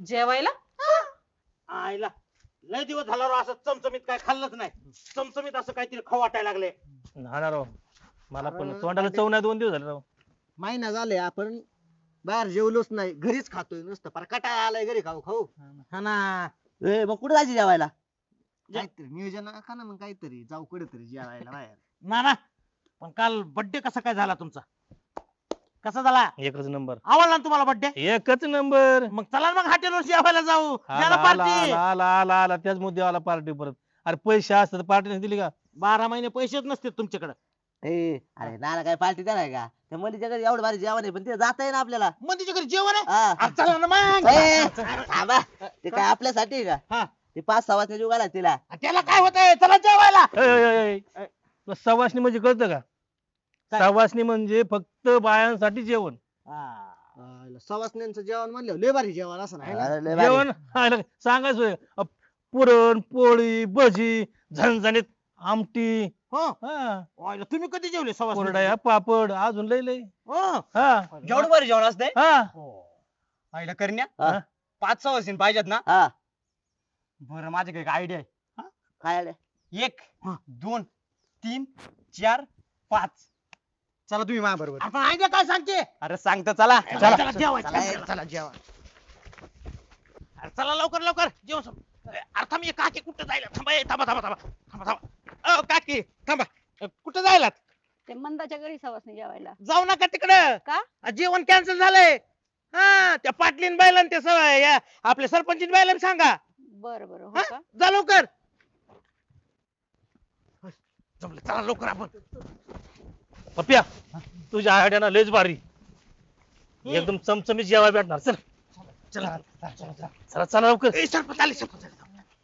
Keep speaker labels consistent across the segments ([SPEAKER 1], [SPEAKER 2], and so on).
[SPEAKER 1] जेवायला?
[SPEAKER 2] आईला लय दिवस झाला राव असं चमचमीत काय खाल्लंच नाही. चमचमीत असं काहीतरी खाऊ वाटायला लागले.
[SPEAKER 3] हा ना राव, मला पण तोंडाला चव नाही 2 दिवस झाले राव.
[SPEAKER 4] महिना झाले आपण बाहेर जेवलोच नाही, घरीच खातोय नुसतं फार कटाळा आलाय घरी खाऊ खाऊ.
[SPEAKER 2] हा ना.
[SPEAKER 5] ए मग कुठे जायची जेवायला?
[SPEAKER 4] काहीतरी नियोजन आखा ना, मग काहीतरी जाऊ कुठेतरी जेवायला बाहेर.
[SPEAKER 2] ना पण काल बर्थडे कसा काय झाला तुमचा? कसा झाला?
[SPEAKER 3] एकच नंबर,
[SPEAKER 2] आवडला ना तुम्हाला बर्थडे?
[SPEAKER 3] एकच नंबर.
[SPEAKER 2] मग चला ना मग हॉटेलवर जेवायला जाऊ.
[SPEAKER 3] आला
[SPEAKER 2] द्या ना
[SPEAKER 3] आला
[SPEAKER 2] पार्टी.
[SPEAKER 3] आला आला आला आला त्याच मुद्द्यावर पार्टी परत. अरे पैसे असतात पार्टी नाही दिली का?
[SPEAKER 2] 12 महिने पैसेच नसते तुमच्याकडे.
[SPEAKER 5] ए अरे नाना काय पार्टी देणार का? त्या मध्ये घरी एवढं भारी जेवण आहे पण ते जाता ना आपल्याला.
[SPEAKER 2] मग तिच्याकडे जेवण आहे.
[SPEAKER 5] हा.
[SPEAKER 2] आ, चला ना मग.
[SPEAKER 5] ए, थांबा. ते काय आपल्यासाठी आहे का?
[SPEAKER 2] हा.
[SPEAKER 5] ते 5-6 वाजता जुगाला तिला.
[SPEAKER 2] त्याला काय होतंय? चला जेवायला.
[SPEAKER 3] तुला सवासणी म्हणजे कळतं का?
[SPEAKER 2] काय?
[SPEAKER 3] सवासणी म्हणजे फक्त बायांसाठी जेवण.
[SPEAKER 4] सवासण्यांचं जेवण म्हणलं लय भारी जेवण असं नाही ना.
[SPEAKER 5] अरे लय भारी.
[SPEAKER 3] जेवण सांगायचं होय. पुरण पोळी भजी झणझणीत आमटी,
[SPEAKER 2] हो.
[SPEAKER 3] हा,
[SPEAKER 2] ओय, तुम्ही कधी जेवले सवास?
[SPEAKER 3] कोरड्या पापड अजून लय लय.
[SPEAKER 2] हो.
[SPEAKER 3] हा
[SPEAKER 6] जेवढं बरं जेवण असतंय
[SPEAKER 3] हा
[SPEAKER 6] आईला करण्या
[SPEAKER 5] हा.
[SPEAKER 6] 5-6 वर्षीन पाहिजेत ना.
[SPEAKER 5] हा
[SPEAKER 6] बरं माझ्याकडे एक आयडिया आहे.
[SPEAKER 5] काय आलं?
[SPEAKER 6] 1 2 3 4 5. चला तुम्ही माझ्या बरोबर.
[SPEAKER 2] आपण आयडिया काय सांगते?
[SPEAKER 6] अरे सांगतो चला.
[SPEAKER 2] चला जेवायचं.
[SPEAKER 5] चला,
[SPEAKER 2] चला जेवा. अरे चला लवकर लवकर जेवण संप. अरे थांब, ये काकी कुठं जायला? थांबा, ए, थांबा थांबा थांबा थांबा थांबा. अ काकी थांबा. कुठं जायला?
[SPEAKER 1] ते मंदाच्या घरी सवासणी जेवायला.
[SPEAKER 2] जाऊ नका तिकडं.
[SPEAKER 1] का?
[SPEAKER 2] जेवण कॅन्सल झालंय. हा, त्या पाटलीन बायलान ते सवय या आपल्या सरपंचीन बायलान सांगा.
[SPEAKER 1] बरं बरं, हो
[SPEAKER 2] हा?
[SPEAKER 1] का?
[SPEAKER 2] जा लवकर. जमलं, चला लवकर आपण.
[SPEAKER 3] पप्या तुझ्या आयडिया लयच भारी. एकदम चमचमीत जेवाय भेटणार. चल
[SPEAKER 2] चला
[SPEAKER 3] चला चला लवकर.
[SPEAKER 2] ए, सरपंच आले, सरपंच आले.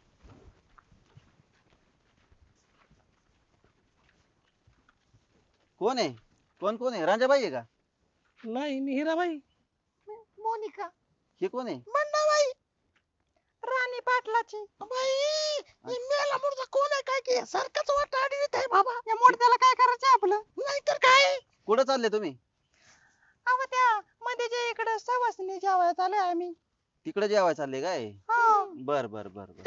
[SPEAKER 5] कोण आहे? कोण आहे? रांजाबाई आहे का?
[SPEAKER 3] नाही मी हिराबाई.
[SPEAKER 1] मोनिका.
[SPEAKER 5] हे कोण आहे?
[SPEAKER 1] मंदाबाई. राणी पाटलाची.
[SPEAKER 2] बाई, मेला मुर्दा कोण आहे काय की? सारखाच वाटा अडवित आहे बाबा.
[SPEAKER 1] या मोडत्याला काय करायचं आपलं?
[SPEAKER 2] नाहीतर काय?
[SPEAKER 5] कुठं चालले तुम्ही?
[SPEAKER 1] अहो त्या मध्ये जे इकडे सवासणी जेवायला चालू आम्ही.
[SPEAKER 5] तिकडे जेवाय चालले काय?
[SPEAKER 1] हा.
[SPEAKER 5] बर बर बर बर.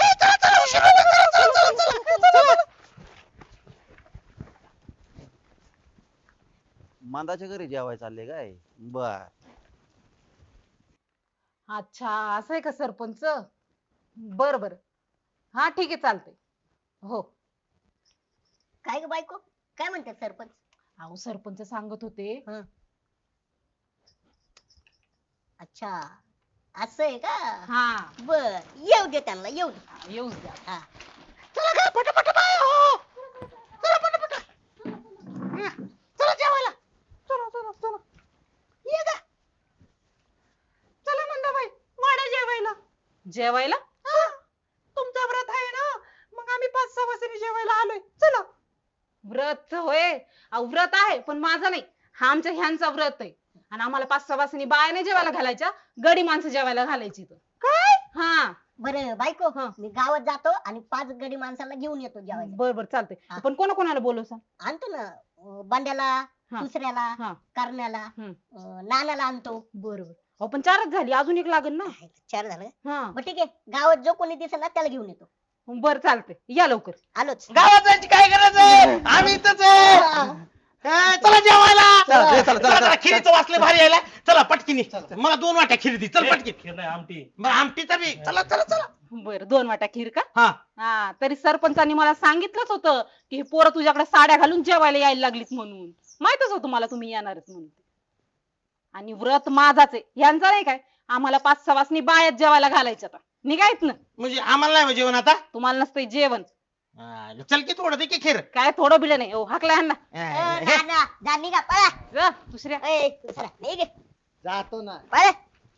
[SPEAKER 5] मांदाच्या घरी जेवाय चालले काय? बर.
[SPEAKER 1] अच्छा असं आहे का सरपंच? बर बर. हा ठीक आहे चालतंय. हो.
[SPEAKER 7] काय ग बायको, काय म्हणतात सरपंच?
[SPEAKER 1] अहो सरपंच सांगत होते.
[SPEAKER 7] अच्छा असं आहे का?
[SPEAKER 1] हा.
[SPEAKER 7] बर येऊ दे त्यांना, येऊ दे.
[SPEAKER 1] येऊच द्या.
[SPEAKER 7] हा.
[SPEAKER 2] चला काय पटापट बाय हो. चला पटापट. चला जेवायला.
[SPEAKER 1] चला चला चला. ये गा. चला मंदाबाई वाडा जेवायला. जेवायला? तुमचा व्रत आहे ना, मग आम्ही 5-6 वाजता जेवायला आलोय. चला. व्रत होय? अहो व्रत आहे पण माझं नाही, हा आमच्या ह्यांचा व्रत आहे. आणि आम्हाला 5-6 वाजता बाया नाही जेवायला घालायच्या, गडी माणसं जेवायला घालायची. काय? हा.
[SPEAKER 7] बरं बायको,
[SPEAKER 1] हा.
[SPEAKER 7] मी गावात जातो आणि 5 गडी माणसाला घेऊन येतो जेवायला.
[SPEAKER 1] बर बर चालतंय.
[SPEAKER 7] हा.
[SPEAKER 1] पण कोणाला बोलवसा?
[SPEAKER 7] आणतो ना बांड्याला,
[SPEAKER 1] हा.
[SPEAKER 7] दुसऱ्याला,
[SPEAKER 1] हा.
[SPEAKER 7] करण्याला,
[SPEAKER 1] हम्म.
[SPEAKER 7] नानाला आणतो.
[SPEAKER 1] बरोबर. अहो पण 4च झाली, अजून एक लागेल ना.
[SPEAKER 7] 4 झालं.
[SPEAKER 1] हा.
[SPEAKER 7] मग ठीक आहे, गावात जो कोणी दिसेल ना त्याला घेऊन येतो.
[SPEAKER 1] बर चालतंय, या लवकर.
[SPEAKER 7] आलोच.
[SPEAKER 2] गावात जायची काय गरज आहे? आम्ही इथंच आहे. चला जेवायला. चला, खिरीचं वासले भारी यायला. चला पटकिनी. मला 2 वाट्या खिरी दी. चल पटकी.
[SPEAKER 3] खीर नाही आमटी.
[SPEAKER 2] बरं आमटीचा बी. चला चला चला.
[SPEAKER 1] बर 2 वाट्या खीर का?
[SPEAKER 2] हा.
[SPEAKER 1] हा तरी सरपंचांनी मला सांगितलंच होतं की हे पोरं तुझ्याकडे साड्या घालून जेवायला यायला लागलीत म्हणून. माहितच होतं मला तुम्ही येणारच म्हणून. आणि व्रत माझाच आहे, यांचा नाही काय. आम्हाला 5-6 वाजता बायात जेवायला घालायच्या आता. निघायत ना.
[SPEAKER 2] म्हणजे आम्हाला नाही जेवण आता.
[SPEAKER 1] तुम्हाला नसतंय जेवण.
[SPEAKER 2] चल की थोडं दे की खीर.
[SPEAKER 1] काय थोडं बिलं नाही. हाकला यांना.
[SPEAKER 7] नाना जा निघा पळा.
[SPEAKER 1] जा दुसऱ्या.
[SPEAKER 7] ए दुसरा निघ
[SPEAKER 4] जातो ना.
[SPEAKER 7] पळा.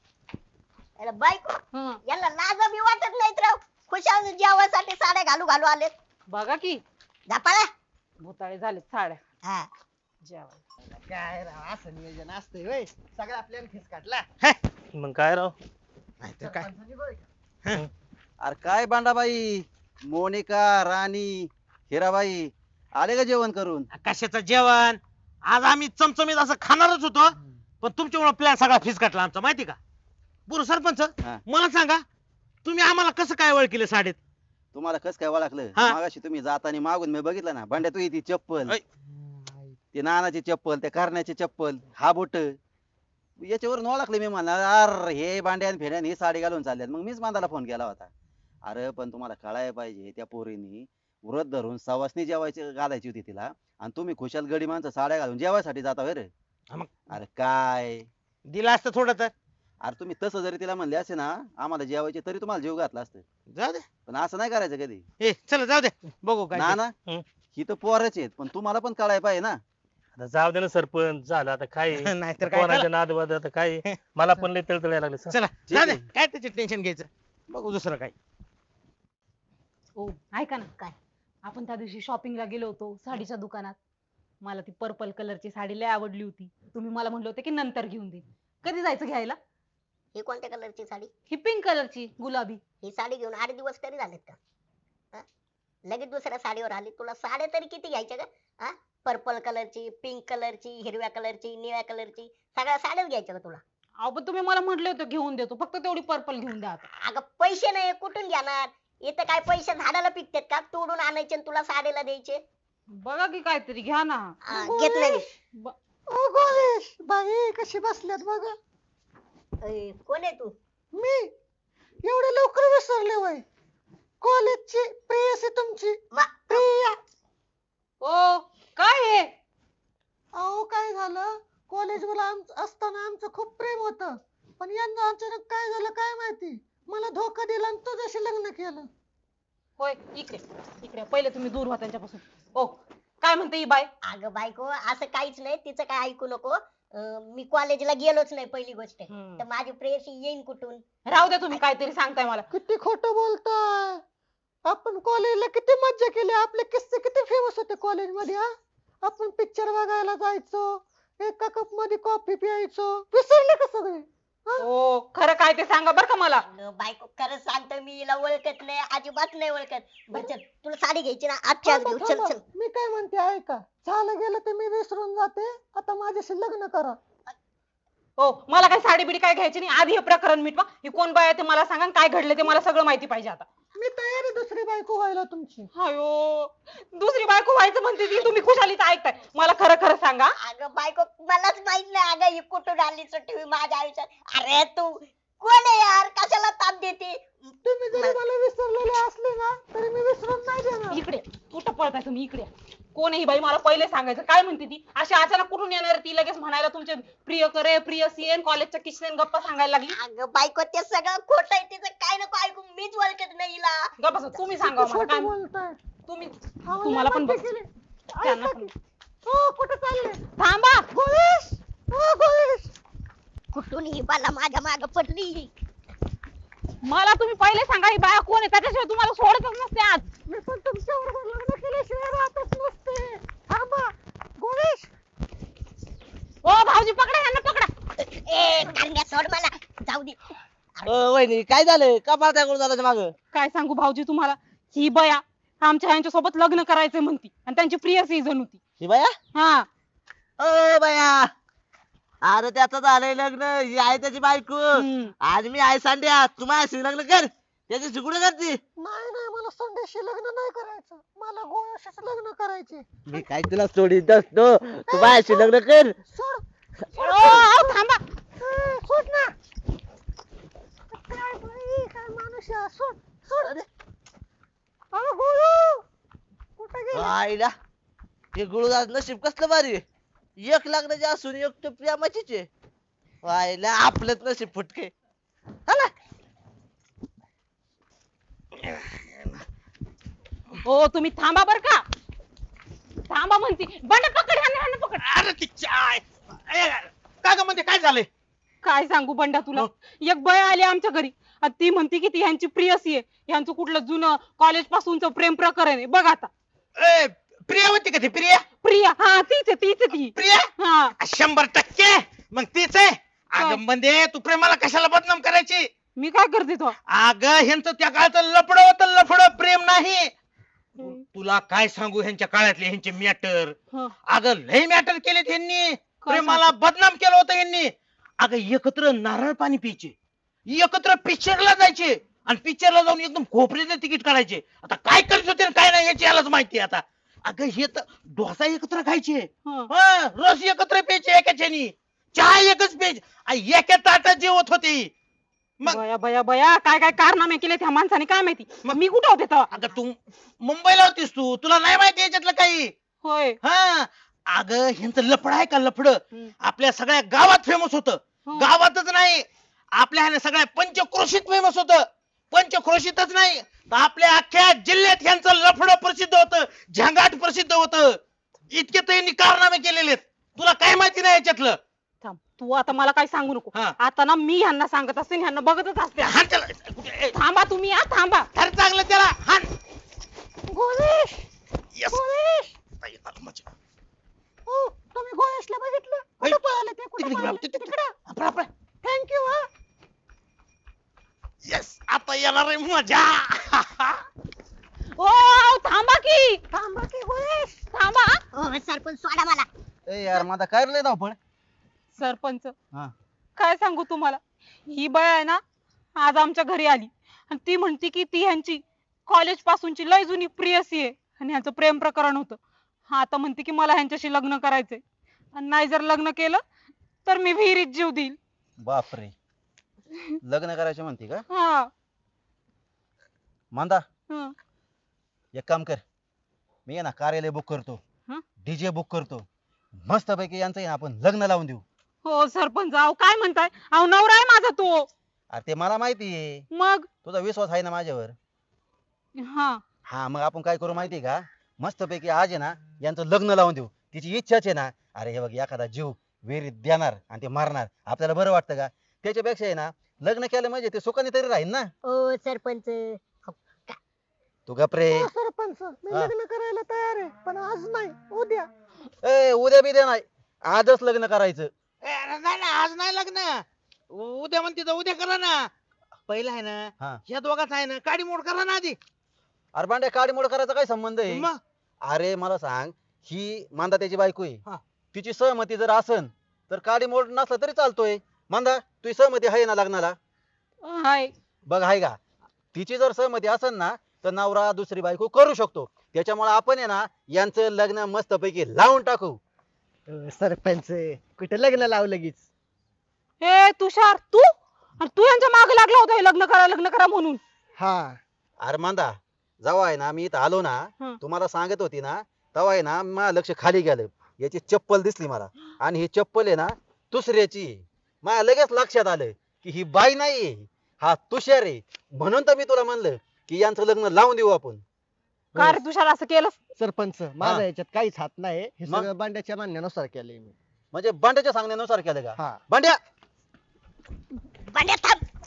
[SPEAKER 7] अरे बायको,
[SPEAKER 1] हं.
[SPEAKER 7] याला लाज बी वाटत नाहीत राव. खुशाल जेवासाठी साड्या घालू घालू आलेत.
[SPEAKER 1] बघा की
[SPEAKER 7] जा पळा.
[SPEAKER 1] भुताळे झालेत साड्या
[SPEAKER 7] हा.
[SPEAKER 1] जेवायला.
[SPEAKER 4] काय राव असं नियोजन असतंय होय. सगळा प्लॅन फिसकाटला.
[SPEAKER 3] मग काय राव.
[SPEAKER 2] नाहीतर काय?
[SPEAKER 4] सरपंचानी बरं का?
[SPEAKER 5] अरे काय बांडाबाई, मोनिका, राणी, हिराबाई आले का जेवण करून?
[SPEAKER 2] कशाचं जेवण? आज आम्ही चमचमीत असं खाणारच होतो, पण तुमच्यामुळे प्लॅन सगळा फिसकटला आमचा, माहिती का? बरं सरपंच
[SPEAKER 5] हा.
[SPEAKER 2] मला सांगा तुम्ही आम्हाला कसं काय ओळखलं साडीत?
[SPEAKER 5] तुम्हाला कस काय ओळखलं
[SPEAKER 2] हा.
[SPEAKER 5] मागाशी तुम्ही जाताना मागून मी बघितलं ना भांड्या तू ती चप्पल
[SPEAKER 2] ऐ.
[SPEAKER 5] ती नानाची चप्पल त्या करण्याची चप्पल हा बोट याच्यावरून ओळखले मी म्हणा अरे हे भांड्यान फेड्यान ही साडी घालून चालल्यात मग मीच मांदाला फोन केला होता. अरे पण तुम्हाला कळायला पाहिजे त्या पोरीनी व्रत धरून सवासनी जेवायची घालायची होती तिला आणि तुम्ही खुशाल गडी माणसं साड्या घालून जेवायसाठी जाता होय रे.
[SPEAKER 2] हा मग.
[SPEAKER 5] अरे काय
[SPEAKER 2] दिलं असतं थोडं तर.
[SPEAKER 5] अरे तुम्ही तसं जरी तिला म्हणले असे ना आम्हाला जेवायचे तरी तुम्हाला जीव घातला असतं
[SPEAKER 2] जाऊ दे.
[SPEAKER 5] पण असं नाही करायचं कधी.
[SPEAKER 2] ए चला जाऊ दे बघू काय
[SPEAKER 5] ना
[SPEAKER 2] ते.
[SPEAKER 5] ना
[SPEAKER 3] हं.
[SPEAKER 5] ही तर पोरच आहेत पण तुम्हाला पण कळायला पाहिजे ना.
[SPEAKER 3] आता जाऊ दे ना सरपंच झालं आता काय
[SPEAKER 2] नाहीतर काय
[SPEAKER 3] कोणाच्या नादवाद आता काय मला पण लय तळतळ लागले
[SPEAKER 2] चला
[SPEAKER 5] ठीक
[SPEAKER 2] जाऊ दे
[SPEAKER 5] आहे.
[SPEAKER 2] काय त्याचे टेन्शन घ्यायचं बघू दुसरं काय.
[SPEAKER 1] ओ ऐका ना, काय आपण त्या दिवशी शॉपिंगला गेलो होतो साडीच्या दुकानात. मला ती पर्पल कलरची साडी लय आवडली होती. तुम्ही मला म्हणले होते की नंतर घेऊन दे. कधी जायचं घ्यायला?
[SPEAKER 7] ही कोणत्या कलरची साडी?
[SPEAKER 1] ही पिंक कलरची गुलाबी.
[SPEAKER 7] ही साडी घेऊन 8 दिवस तरी झालेत का? हा? लगेच दुसऱ्या साडीवर आली. तुला साड्या तरी किती घ्यायच्या का? हा? पर्पल कलरची, पिंक कलरची, हिरव्या कलरची, निळ्या कलरची, सगळ्या साड्याच घ्यायच्या का तुला?
[SPEAKER 1] अहो पण तुम्ही मला म्हटले होते घेऊन देतो, फक्त तेवढी पर्पल घेऊन द्या आता.
[SPEAKER 7] अगं पैसे नाही कुठून घेणार? इथं काय पैसे झाडाला पिकतात का? तोडून आणायचे आणि तुला साडीला द्यायचे?
[SPEAKER 1] बघा की काहीतरी घ्या ना.
[SPEAKER 7] घेत नाही मी.
[SPEAKER 1] ब-
[SPEAKER 4] ओ गोरेश बाई कशी बसल्यात बघा.
[SPEAKER 7] कोण आहे तू?
[SPEAKER 4] मी एवढे लवकर विसरले वय. कॉलेजची प्रेयसी तुमची प्रिया.
[SPEAKER 1] ओ काय हे?
[SPEAKER 4] अहो काय झालं कॉलेजला असताना आमचं खूप प्रेम होतं पण यंदा अचानक काय झालं काय माहिती मला धोका दिला आणि तुझ्याशी लग्न केलं.
[SPEAKER 1] होय इकडे इकडे पहिले तुम्ही दूर व्हा त्यांच्यापासून. ओ काय म्हणते ही बाय?
[SPEAKER 7] अगं बायको असं काहीच नाही, तिचं काय ऐकू नको. मी कॉलेजला गेलोच नाही पहिली गोष्ट. तर माझी प्रेयसी येईन कुठून?
[SPEAKER 1] राहू द्या, तुम्ही काहीतरी सांगताय मला.
[SPEAKER 4] किती खोटं बोलताय. आपण कॉलेजला किती मज्जा केली. आपले किस्से किती फेमस होते कॉलेजमध्ये. हा आपण पिक्चर बघायला जायचो, एका कप मध्ये कॉफी प्यायचो. विसरले का सगळे?
[SPEAKER 1] ओ खरं काय ते सांगा बरं का मला.
[SPEAKER 7] अगं बायको खरंच सांगतो मी हिला ओळखत नाही, अजिबात नाही ओळखत. बरं चल, तुला साडी घ्यायची ना आजच्या आज
[SPEAKER 4] थांबा,
[SPEAKER 7] घेऊ. चल
[SPEAKER 4] थांबा.
[SPEAKER 7] चल.
[SPEAKER 4] मी काय म्हणते ऐका झालं गेलं तर मी विसरून जाते. आता माझ्याशी लग्न करा.
[SPEAKER 1] हो मला काय साडी बिडी काय घ्यायची नाही. आधी हे प्रकरण मिटवा. ही कोण बाय आहे ते मला सांगा आणि काय घडले ते मला सगळं माहिती पाहिजे आता.
[SPEAKER 4] मी तयार आहे दुसरी बायको व्हायला तुमची.
[SPEAKER 1] अयो दुसरी बायको व्हायचं म्हणते ती, तुम्ही खुशालीच ऐकताय. मला खरं खरं सांगा.
[SPEAKER 7] अगं बायको मलाच माहित नाही अगं ही कुठून आली टीव्ही माझ्या आयुष्यात. अरे तू कोण आहे यार? कशाला ताप देते?
[SPEAKER 4] तुम्ही जरी मला विसरलेले असले ना तरी मी विसरून नाही देणार.
[SPEAKER 1] इकडे कुठं पळताय तुम्ही? इकडे कोण आहे ही बाई? मला पहिले सांगायचं. काय म्हणते ती? अशी अचानक कुठून येणार ती लगेच म्हणायला तुमचे प्रिय करे प्रियसी कॉलेजच्या किशनेन गप्पा सांगायला लागली.
[SPEAKER 7] अगं बायको ते सगळं खोटं आहे, तिचं काय नको ऐकू. मीच ओळखत नाही हिला.
[SPEAKER 1] गप्पा तुम्ही सांगा मला
[SPEAKER 4] खोटं
[SPEAKER 1] काय
[SPEAKER 4] बोलताय.
[SPEAKER 1] तुम्ही.
[SPEAKER 4] अहो,
[SPEAKER 1] तुम्हाला
[SPEAKER 4] लय
[SPEAKER 1] पण
[SPEAKER 4] मज्जा
[SPEAKER 1] बघ.
[SPEAKER 4] केली.
[SPEAKER 1] त्यांना
[SPEAKER 4] ऐका
[SPEAKER 1] पण.
[SPEAKER 4] की. हो कुठं चालले?
[SPEAKER 1] थांबा.
[SPEAKER 4] गोळेश हो गोळेश.
[SPEAKER 7] कुठून ही बाला माझ्या माग पडली?
[SPEAKER 1] मला तुम्ही पहिले सांगा ही बाया कोण आहे, त्याच्याशिवाय तुम्हाला सोडतच नसते आज.
[SPEAKER 4] मी पण तुमच्याबरोबर लग्न केल्याशिवाय राहतच नसते. थांबा गोळेश.
[SPEAKER 1] ओ भाऊजी पकडा यांना पकडा.
[SPEAKER 7] ए कांद्या सोड मला. जाऊ दे.
[SPEAKER 6] वहिनी काय झालं का पाहताय कोण झालं माग?
[SPEAKER 1] काय सांगू भाऊजी तुम्हाला, ही बया आमच्या ह्यांच्या सोबत लग्न करायचंय म्हणती आणि त्यांची प्रिय सीझन होती.
[SPEAKER 6] ही बाया
[SPEAKER 1] हा
[SPEAKER 6] ओ बाया अरे त्याचं झालंय लग्न ही आहे त्याची बायको
[SPEAKER 1] हम्म.
[SPEAKER 6] आज मी आहे सांड्या तू माझ्याशी लग्न कर त्याची शिकून करते.
[SPEAKER 4] नाही नाही मला संध्याशी लग्न नाही करायचं. मला गोळ्याशीच लग्न करायचे.
[SPEAKER 6] मी काय तुला सोडीत असतो तू माझ्याशी लग्न कर.
[SPEAKER 4] सोड.
[SPEAKER 1] ओ, थांबा.
[SPEAKER 4] सोड ना. काय बाई काय माणूस आहे. सोड सोड. अरे गोळू कुठे गेला?
[SPEAKER 6] आईला ते गुळदास नशीब कसलं भारी आहे. एक लग्नाची असून एक तर प्रेमाचीच आहे. आईला आपलंच नशीब फुटके. चला
[SPEAKER 1] हो तुम्ही थांबा बर का. थांबा म्हणती. बंड पकड ह्यांना ह्यांना पकड.
[SPEAKER 2] अरे ती चाय काय ग म्हणते काय झालंय?
[SPEAKER 1] काय सांगू बंडा तुला. एक बय आली आमच्या घरी आणि ती म्हणती की ती ह्यांची प्रियसी आहे. ह्यांचं कुठलं जुनं कॉलेज पासूनच प्रेम प्रकरण आहे. बघ आता.
[SPEAKER 2] ए, प्रिया होती का ती प्रिया?
[SPEAKER 1] प्रिया हा तीच आहे तीच आहे ती.
[SPEAKER 2] प्रिया
[SPEAKER 1] हा
[SPEAKER 2] 100% मग तीच आहे.
[SPEAKER 1] काय?
[SPEAKER 2] अगं म्हणजे तू प्रेमाला कशाला बदनाम करायची?
[SPEAKER 1] मी काय करते तो.
[SPEAKER 2] अगं ह्यांचं त्या काळचं लफड होतं लफड प्रेम नाही. तुला काय सांगू ह्यांच्या काळातले ह्यांचे मॅटर.
[SPEAKER 1] हं.
[SPEAKER 2] अगं लय मॅटर केलेत ह्यांनी. प्रेमाला बदनाम केलं होतं ह्यांनी. अगं एकत्र नारळ पाणी प्यायचे एकत्र पिक्चरला जायचे आणि पिक्चरला जाऊन एकदम खोपरीने तिकीट काढायचे. आता काय करत होते आणि काय नाही याची यालाच माहिती आता. अगं हे तर डोसा एकत्र खायचे,
[SPEAKER 1] हं.
[SPEAKER 2] हं, रस एकत्र प्यायचे एकाच्यानी, चहा एकच प्यायचे आणि एका ताटात जेवत होते. मग
[SPEAKER 1] बया बया बया काय काय कारनामे केले त्या माणसाने काय माहिती. मग मी कुठं होते तेव्हा?
[SPEAKER 2] अगं तू मुंबईला होतीस, तुला नाही माहिती याच्यातलं काही.
[SPEAKER 1] होय.
[SPEAKER 2] हा अगं ह्यांचं लफड आहे का लफड,
[SPEAKER 1] हम्म.
[SPEAKER 2] आपल्या सगळ्या गावात फेमस होतं.
[SPEAKER 1] हं.
[SPEAKER 2] गावातच नाही, आपल्या ह्याने सगळ्या पंचक्रोशीत फेमस होतं. पंचक्रोशीतच नाही तर आपल्या अख्ख्या जिल्ह्यात ह्यांचं लफड प्रसिद्ध होतं, झंगाट प्रसिद्ध होतं. इतके तर यांनी कारनामे केलेले आहेत. तुला काय माहिती नाही याच्यातलं.
[SPEAKER 1] थांब तू आता मला काही सांगू नको.
[SPEAKER 2] हा.
[SPEAKER 1] आता ना मी ह्यांना सांगत असते आणि ह्यांना बघतच असते.
[SPEAKER 2] हाण त्याला. कुठे- ए,
[SPEAKER 1] थांबा तुम्ही हा थांबा.
[SPEAKER 2] धर चांगलं त्याला हाण.
[SPEAKER 4] गोरेश
[SPEAKER 2] Yes.
[SPEAKER 4] गोरेश
[SPEAKER 2] आता येतात मजा.
[SPEAKER 4] हो तुम्ही गोरेशला बघितलं
[SPEAKER 2] ऐ,
[SPEAKER 4] कुठं पळाले ते
[SPEAKER 2] तिकडे
[SPEAKER 4] कुठं
[SPEAKER 2] गेला,
[SPEAKER 4] पळाले
[SPEAKER 2] तिकडे.
[SPEAKER 4] तिकडं
[SPEAKER 2] आपलं, आपलं.
[SPEAKER 4] थँक्यू हा
[SPEAKER 2] Yes. आता येणार आहे मजा.
[SPEAKER 1] ओ थांबा की
[SPEAKER 4] थांबा की गोरेश
[SPEAKER 1] थांबा.
[SPEAKER 7] हो सरपंच सोडा मला.
[SPEAKER 5] ए यार माझा काय रे धावपळ.
[SPEAKER 1] सरपंच
[SPEAKER 5] हा.
[SPEAKER 1] काय सांगू तुम्हाला, ही बाय आहे ना आज आमच्या घरी आली आणि ती म्हणती की ती ह्यांची कॉलेज पासूनची लय जुनी प्रियसी आहे आणि ह्यांचं प्रेम प्रकरण होतं. हा आता म्हणते की मला ह्यांच्याशी लग्न करायचंय आणि नाही जर लग्न केलं तर मी विहिरीत जीव देईल.
[SPEAKER 5] बापरे, लग्न करायचे म्हणते का?
[SPEAKER 1] हा.
[SPEAKER 5] मांदा
[SPEAKER 1] हं.
[SPEAKER 5] एक काम कर, मी आहे ना कार्यालय बुक करतो,
[SPEAKER 1] हं?
[SPEAKER 5] डीजे बुक करतो, मस्त पैकी यांचं आहे ना आपण लग्न लावून देऊ.
[SPEAKER 1] हो सरपंच, अहो काय म्हणताय, अहो नवरा आहे माझा तो.
[SPEAKER 5] अरे ते मला माहिती आहे,
[SPEAKER 1] मग
[SPEAKER 5] तुझा विश्वास आहे ना माझ्यावर.
[SPEAKER 1] हा
[SPEAKER 5] हा मग आपण काय करू माहितीये का, मस्त पैकी आज आहे ना यांचं लग्न लावून देऊ. तिची इच्छाच आहे ना. अरे हे बघ एखादा जीव विहिरीत देणार आणि ते मारणार, आपल्याला बरं वाटतं का? त्याच्यापेक्षा आहे ना लग्न केलं म्हणजे ते सुखाने तरी राहील ना.
[SPEAKER 7] ओ सरपंच.
[SPEAKER 5] तू गपरे.
[SPEAKER 4] हो, सरपंच मी
[SPEAKER 5] हा.
[SPEAKER 4] लग्न करायला तयार आहे पण आज नाही उद्या.
[SPEAKER 5] ए उद्या बिद्या नाही, आजच लग्न करायचं.
[SPEAKER 2] ए, नाही ना आज नाही लग्न, उद्या म्हणते तर उद्या करा ना. पहिला आहे
[SPEAKER 5] हा.
[SPEAKER 2] ना या दोघात आहे ना काडी मोड करा ना आधी.
[SPEAKER 5] अरे भांड्या काडीमोड करायचा काय संबंध आहे?
[SPEAKER 2] मग
[SPEAKER 5] अरे मला सांग, ही मांदा त्याची बायको आहे,
[SPEAKER 2] हा.
[SPEAKER 5] तिची सहमती जर असन तर काडीमोड नसला तरी चालतोय. मांदा तुझी सहमती आहे ना लग्नाला?
[SPEAKER 1] हाय.
[SPEAKER 5] बघ आहे का, तिची जर सहमती असेल ना तर नवरा दुसरी बायको करू शकतो. त्याच्यामुळे आपण आहे ना यांचं लग्न मस्त पैकी लावून टाकू.
[SPEAKER 4] सरपंच कुठे लग्न लावू लगेच?
[SPEAKER 1] ए तुषार तू आणि तू यांच्या मागे लागला होता हे लग्न करा म्हणून.
[SPEAKER 4] हा
[SPEAKER 5] अरे मांदा जेव्हा आहे ना मी इथं आलो ना,
[SPEAKER 1] हं.
[SPEAKER 5] तुम्हाला सांगत होती ना, तेव्हा आहे ना माझं लक्ष खाली गेलं, याची चप्पल दिसली मला आणि ही चप्पल आहे ना दुसऱ्याची. माझ्या लगेच लक्षात आलं की ही बाई नाही, हा तुषार आहे. म्हणून तर मी तुला म्हणलं की यांचं लग्न लावून देऊ आपण.
[SPEAKER 1] का रे तुषार असं केलं?
[SPEAKER 4] सरपंच माझा याच्यात काहीच हात नाही, हे
[SPEAKER 5] मग?
[SPEAKER 4] सगळं बांड्याच्या म्हणण्यानुसार केलंय मी.
[SPEAKER 5] म्हणजे बांड्याच्या सांगण्यानुसार केलं का?
[SPEAKER 4] हा
[SPEAKER 5] बांड्या
[SPEAKER 7] भांड्या थांब.